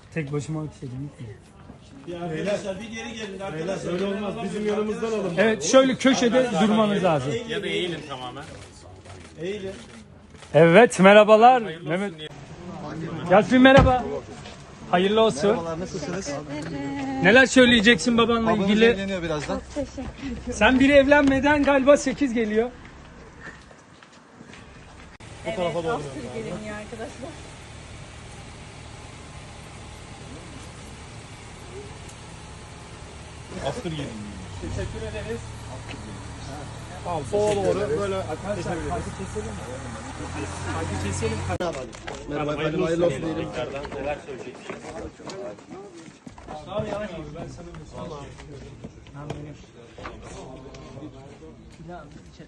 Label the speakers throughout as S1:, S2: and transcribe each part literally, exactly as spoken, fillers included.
S1: Tek başıma bir şey değil mi?
S2: Arkadaşlar bir geri gelin arkadaşlar. Öyle olmaz. Bizim yanımızdan alın.
S1: Evet, şöyle köşede durmanız lazım.
S3: Ya da eğilin tamamen.
S2: Eğilin.
S1: Evet, merhabalar. Mehmet. Yasmin merhaba. Hayırlı olsun.
S4: Merhabalar, nasılsınız?
S1: Neler söyleyeceksin babanla
S4: Babanız
S1: ilgili?
S4: evleniyor birazdan.
S1: Sen biri evlenmeden galiba sekiz geliyor.
S5: Evet, Askır geliniyor arkadaşlar.
S2: Askır gelin.
S1: Teşekkür ederiz.
S2: Tamam sola doğru böyle
S1: Arkadaşlar kaydı keselim. Kaydı keselim.
S4: Merhaba efendim, hayırlı olsun diyelim.
S3: Tekrardan neler söyleyeceksin?
S1: Abi yani ben sana bir soru Ben benim. Ya içeri.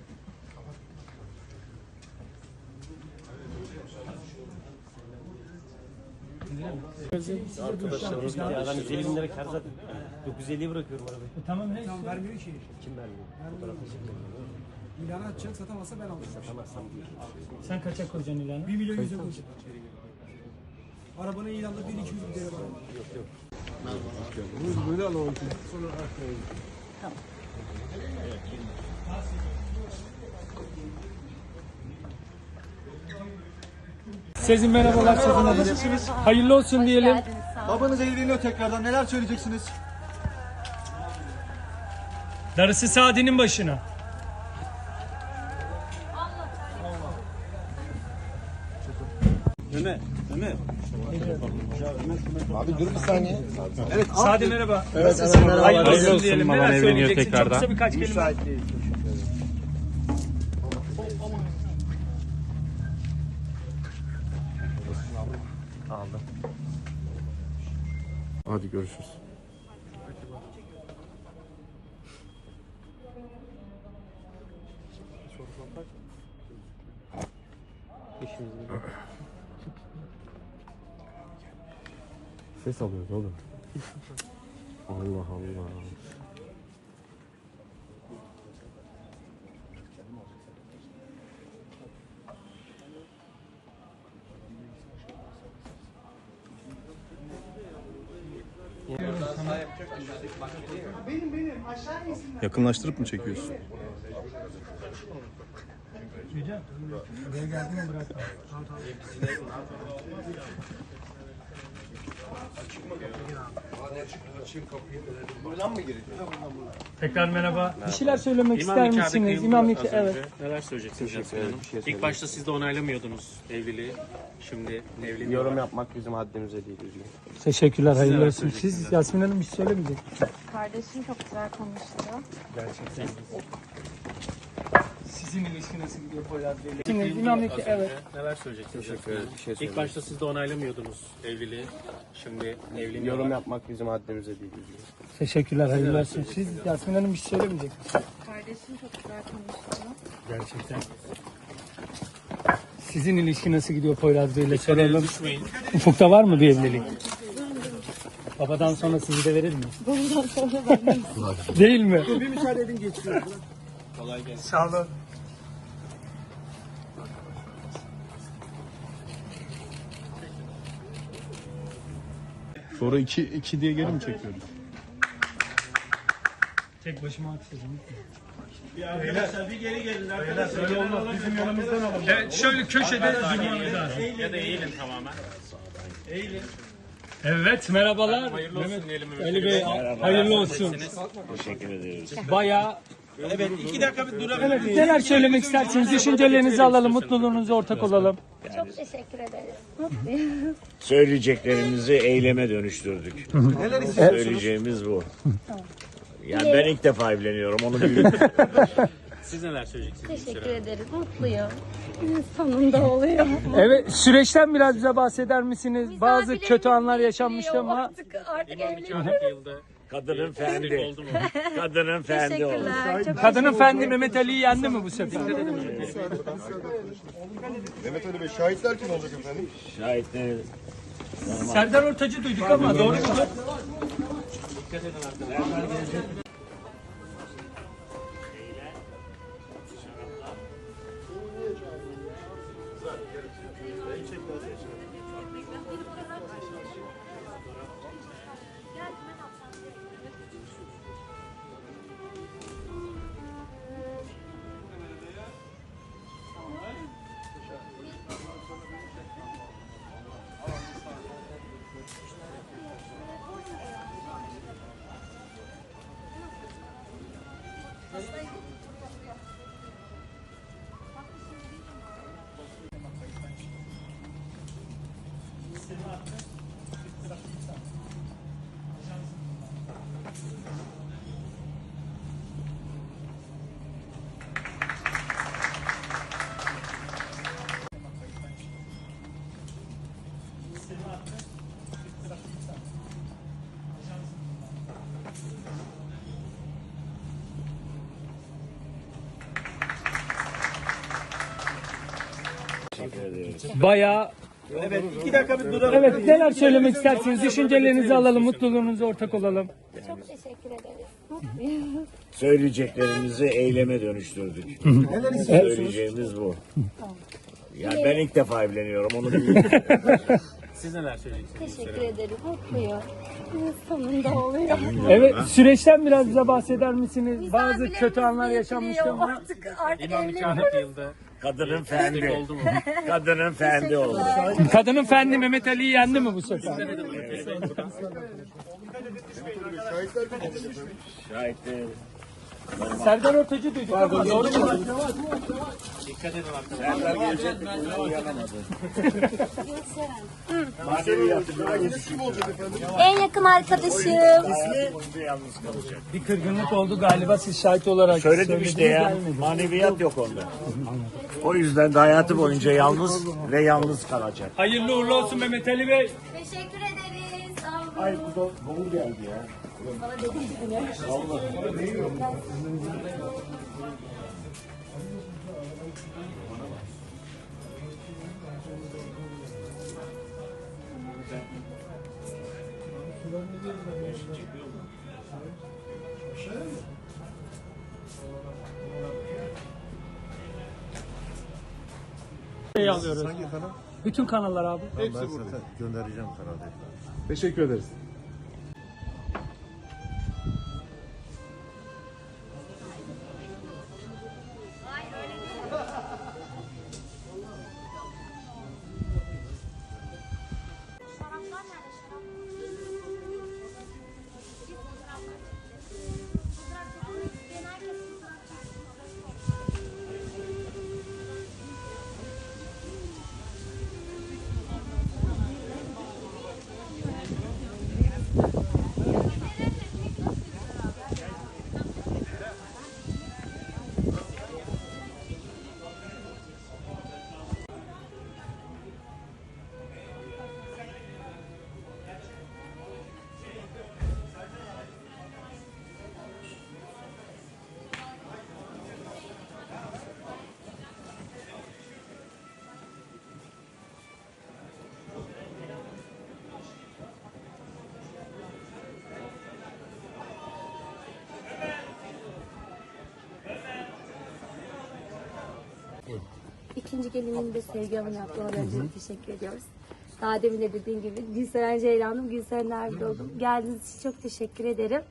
S3: Arkadaşlarımız gitti ya. Ben yüz elli bin lira kar zaten. dokuz yüz elliye bırakıyorum arabayı.
S1: E, tamam ne?
S6: Tamam vermiyor ki.
S3: Kim vermiyor? Fotoğrafı çekmiyor.
S6: İlanı atacak, satamazsa ben alacağım.
S3: Satamazsam diyor.
S1: Sen kaça koyacaksın ilanı?
S6: bir milyon yüze koyacağım. Arabanın ilanda bir iki yüz bir değeri var.
S3: Yok yok.
S2: böyle alalım.
S1: Sizin merhabalar.
S4: Merhabalar, nasılsınız?
S1: Hayırlı olsun diyelim.
S5: Geldiniz, sağ olun.
S4: Babanız evleniyor tekrardan, neler söyleyeceksiniz?
S1: Darısı Sadi'nin başına.
S2: Mehmet. Mehmet.
S4: Abi dur bir saniye. Evet,
S1: Sadi merhaba.
S4: Evet, evet, merhaba.
S1: Hayırlı
S3: Hayırlı
S1: olsun
S3: olsun,
S1: diyelim.
S3: baban
S1: Neler
S3: evleniyor
S1: söyleyeceksin? Çok
S3: tekrardan.
S1: kısa birkaç kelime.
S4: Müsait değil.
S3: Aldım.
S7: Hadi görüşürüz. Ses alıyoruz oğlum. Allah Allah.
S8: Yakınlaştırıp mı çekiyorsun?
S1: Buraya geldi mi bırakma. Tekrar merhaba. Bir şeyler söylemek ister
S3: İmam nikahı
S1: misiniz?
S3: kıyıldı
S1: İmam
S3: az
S1: nikahı, evet.
S3: önce. Neler söyleyeceksiniz Yasmin Hanım? İlk başta siz de onaylamıyordunuz evliliği. Şimdi evleniyor.
S7: Yorum yapmak bizim haddimize değil. Üzgünüm.
S1: Teşekkürler, hayırlı
S3: neler
S1: olsun. Siz
S3: söyleyeceksiniz?
S1: Yasmin Hanım bir şey söylemeyecek.
S5: Kardeşim çok güzel konuştu.
S1: Gerçekten. Sizin ilişki nasıl gidiyor Poyraz Bey'le? Şimdi İmam nikahı, evet.
S3: Neler söyleyeceksiniz Yasmin Hanım?
S7: Bir şey
S3: İlk
S7: söyleyeyim.
S3: başta siz de onaylamıyordunuz evliliği. Şimdi evleniyor.
S7: Yorum yapmak bizim haddimize değil. Üzgünüm.
S1: Teşekkürler, hayırlı olsun. Siz Yasmin Hanım bir şey söylemeyecek.
S5: Kardeşim çok güzel konuştu.
S1: Gerçekten. Sizin ilişki nasıl gidiyor Poyraz Bey'le soralım.
S3: Düşmeyin.
S1: Ufukta var mı bir evlilik? Babadan sonra sizi de verir mi?
S5: Bundan sonra ben
S1: Değil mi?
S6: Bir müsaade edin geçiyor.
S3: Kolay gelsin.
S1: Sağ olun.
S8: Sonra iki, iki diye geri mi çekiyoruz?
S1: Tek başıma haksızım.
S2: Arkadaşlar bir geri gelin arkadaşlar. Öyle olmaz. Bizim yanımızdan alın.
S1: Evet, şöyle köşede durmanız lazım.
S3: Ya da eğilin tamamen.
S2: Eğilin.
S1: Evet, merhabalar.
S3: Hayırlı olsun diyelim.
S1: Ali Bey, hayırlı olsun.
S3: Teşekkür ederiz.
S1: Bayağı.
S2: Evet iki dakika bir durabilir
S1: Evet,
S2: miyiz?
S1: neler söylemek istersiniz? Düşüncelerinizi alalım, mutluluğunuza ortak olalım.
S5: çok teşekkür ederiz. Mutluyum.
S9: Söyleyeceklerimizi eyleme dönüştürdük. Söyleyeceğimiz bu. Yani ben ilk defa evleniyorum, onu biliyorum.
S3: Siz neler söyleyeceksiniz?
S5: Teşekkür ederiz. Mutluyum. Sonunda oluyor.
S1: Evet, süreçten biraz bize bahseder misiniz? Bazı
S5: Misafirlerimiz
S1: kötü anlar
S5: geliyor,
S1: yaşanmıştı ama
S5: Artık, artık
S3: İmam
S5: evleniyoruz.
S3: nikahı kıyıldı.
S9: Kadının
S3: Feslik
S9: fendi.
S3: oldu mu?
S9: Kadının fendi oldu.
S5: Teşekkürler. Çok
S1: kadının fendi Mehmet Ali'yi yendi mi bu sefer?
S4: Mehmet Ali Bey, şahitler kim olacak efendim?
S9: Şahitleri
S1: Serdar Ortaç'ı duyduk ama doğru mu? Bayağı
S2: Evet, iki dakika bir duralım.
S1: evet, neler söylemek istersiniz? Düşüncelerinizi alalım, mutluluğunuza ortak olalım.
S5: Çok teşekkür ederiz. Mutluyum.
S9: Söyleyeceklerimizi eyleme dönüştürdük. Söyleyeceğimiz bu. Ya ben ilk defa evleniyorum onu bilmiyorum.
S3: Siz neler söyleyeceksiniz?
S5: Teşekkür ederim. Mutluyum. Sonunda oluyor.
S1: Evet, süreçten biraz bize bahseder misiniz?
S5: Güzel
S1: Bazı
S5: bile
S1: kötü anlar
S5: bizi
S1: yaşanmıştı
S5: getiriyor.
S1: ama
S5: Artık, artık
S3: İmam nikahı
S5: evleniyoruz.
S3: yapıldı.
S9: Kadının fendi.
S3: Oldu mu?
S9: Kadının fendi oldu.
S1: kadının fendi Mehmet Ali'yi yendi mi bu sefer?
S4: Şahitler kim olacak efendim?
S9: Şahitler.
S1: Serdar Ortaç'ı duyduk ama doğru mu?
S3: Dikkat edin arkadaşlar.
S9: Serdar gelecek mi? Uyanamadı. Maneviyatı
S4: Şahitler kim olacak efendim?
S5: En yakın arkadaşım.
S9: hayatı boyunca yalnız kalacak.
S1: Bir kırgınlık oldu galiba, siz şahit olarak
S9: Söyledim
S1: söylediniz,
S9: işte ya.
S1: gelmedi.
S9: Maneviyat yok onda. O yüzden de hayatı boyunca yalnız ve yalnız kalacak.
S1: Hayırlı uğurlu olsun Mehmet Ali Bey.
S5: Teşekkür ederiz. Sağ olun.
S9: Ay bu da dolu geldi ya.
S1: Şey alıyoruz.
S4: Hangi kanal?
S1: Bütün kanallar abi.
S4: Ben zaten göndereceğim kanalda.
S8: Teşekkür ederiz.
S5: İkinci gelinin de Sevgi Hanım yaptı. Ona önce teşekkür ediyoruz. Daha demin de dediğim gibi Gülseren Ceylan'ım, Gülseren Erbil oldum. Geldiğiniz için çok teşekkür ederim.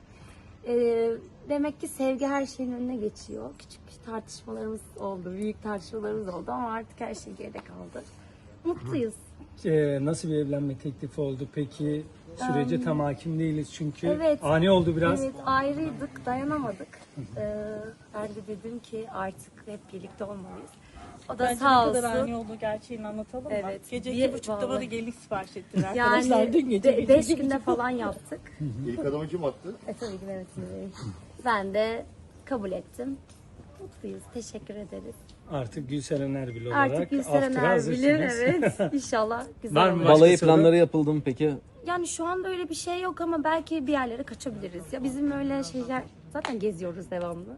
S5: Ee, demek ki sevgi her şeyin önüne geçiyor. Küçük tartışmalarımız oldu, büyük tartışmalarımız oldu ama artık her şey geride kaldı. Mutluyuz.
S1: Ee, nasıl bir evlenme teklifi oldu peki? Sürece tam hakim değiliz çünkü
S5: Evet.
S1: ani oldu biraz.
S5: Evet, ayrıydık, dayanamadık. Ee, ben de dedim ki artık hep birlikte olmalıyız. O da
S10: Bence
S5: sağ
S10: ne kadar
S5: olsun.
S10: ani olduğu gerçeğini anlatalım mı?
S5: Evet.
S10: Gece
S5: Bir-
S10: iki buçukta bana
S5: vallahi.
S10: gelin sipariş ettiler arkadaşlar.
S5: Yani
S10: Dün gece
S5: be-
S10: gece
S5: beş
S10: gece.
S5: günde falan yaptık.
S4: İlk adamı kim attı?
S5: E tabii ki Mehmet Ali Bey. Ben de kabul ettim. Mutluyuz. Teşekkür ederiz.
S1: Artık Gülseren Erbil olarak
S5: Artık Gülseren
S1: after'a
S5: Erbil'im.
S1: hazırsınız.
S5: Evet. İnşallah güzel
S1: Var mı
S5: olur.
S1: başka
S7: Balayı
S1: soru?
S7: planları yapıldı mı peki?
S5: Yani şu anda öyle bir şey yok ama belki bir yerlere kaçabiliriz. Ya bizim öyle şeyler zaten geziyoruz devamlı.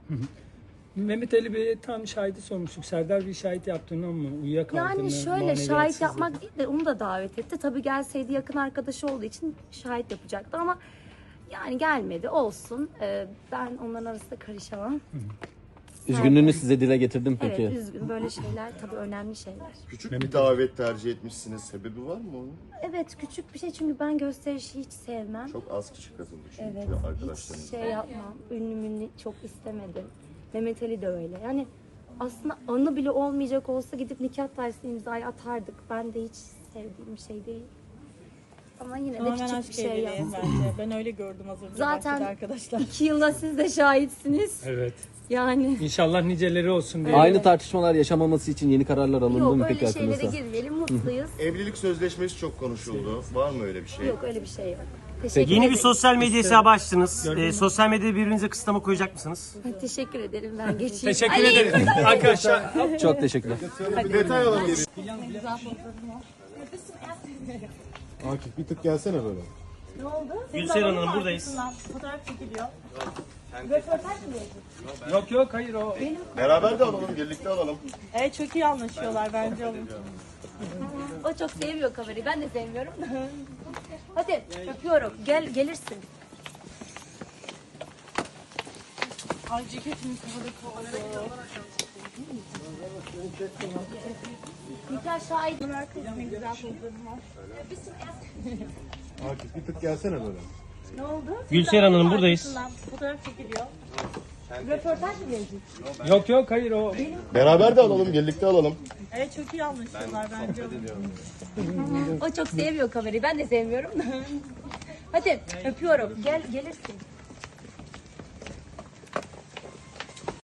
S1: Mehmet Ali Bey'e tam şahidi sormuştuk. Serdar bir şahit yaptığını ama uyuyakaldığını,
S5: Yani şöyle şahit
S1: maneviyatsızlık.
S5: yapmak değil de onu da davet etti. Tabii gelseydi yakın arkadaşı olduğu için şahit yapacaktı ama yani gelmedi. Olsun. Ee, ben onların arasında karışamam.
S7: Üzgünlüğünü size dile getirdim peki.
S5: Evet, üzgün. Böyle şeyler tabii önemli şeyler.
S4: Küçük bir davet tercih etmişsiniz. Sebebi var mı onun?
S5: Evet, küçük bir şey çünkü ben gösterişi hiç sevmem.
S4: Çok az kişi katıldı çünkü
S5: Evet,
S4: arkadaşlarım.
S5: hiç şey yapmam. Ünlü münlü çok istemedim. Mehmet Ali de öyle. Yani aslında anı bile olmayacak olsa gidip nikah tarzı imzayı atardık. Ben de hiç sevdiğim bir şey değil. Ama yine de
S10: Tamamen
S5: küçük
S10: aşk
S5: bir şey
S10: evliliği
S5: yaptım.
S10: bence. Ben öyle gördüm az önce
S5: Zaten
S10: bahçede arkadaşlar.
S5: iki yılda siz de şahitsiniz.
S1: Evet.
S5: Yani
S1: İnşallah niceleri olsun diye.
S7: Aynı tartışmalar yaşamaması için yeni kararlar alındı
S5: yok
S7: mı peki
S5: öyle şeylere
S7: aklınızda?
S5: girmeyelim, mutluyuz.
S4: Evlilik sözleşmesi çok konuşuldu. Var mı öyle bir şey?
S5: Yok öyle bir şey yok. Teşekkür
S11: Yeni bir
S5: ederim.
S11: sosyal medya hesabı açtınız. Ee, sosyal medyada birbirinize kısıtlama koyacak mısınız?
S5: Teşekkür ederim, ben geçeyim.
S1: Teşekkür
S5: Ali,
S1: ederim. Arkadaşlar
S7: Çok teşekkürler.
S4: Detay alalım.
S8: Akif bir tık gelsene böyle.
S11: Gülseren Hanım buradayız.
S10: Fotoğraf çekiliyor.
S1: yok yok hayır o.
S4: Beraber de alalım, birlikte alalım.
S10: Evet çok iyi anlaşıyorlar bence onun.
S5: o çok sevmiyor kamerayı, ben de sevmiyorum da. Hadi öpüyorum, gel gelirsin.
S10: Ay ceketimin kafada oldu.
S5: Nikah şahit.
S10: Ne güzel pozlarım var.
S8: Akif bir tık gelsene böyle.
S5: Ne oldu?
S11: Gülseren Hanım buradayız.
S10: Fotoğraf çekiliyor.
S5: Röportaj mı verecek?
S1: Yok yok hayır o.
S4: Beraber de alalım, birlikte alalım.
S10: Evet çok iyi anlaşıyorlar bence onun.
S5: O çok sevmiyor kamerayı, ben de sevmiyorum da. Hadi öpüyorum, gel gelirsin.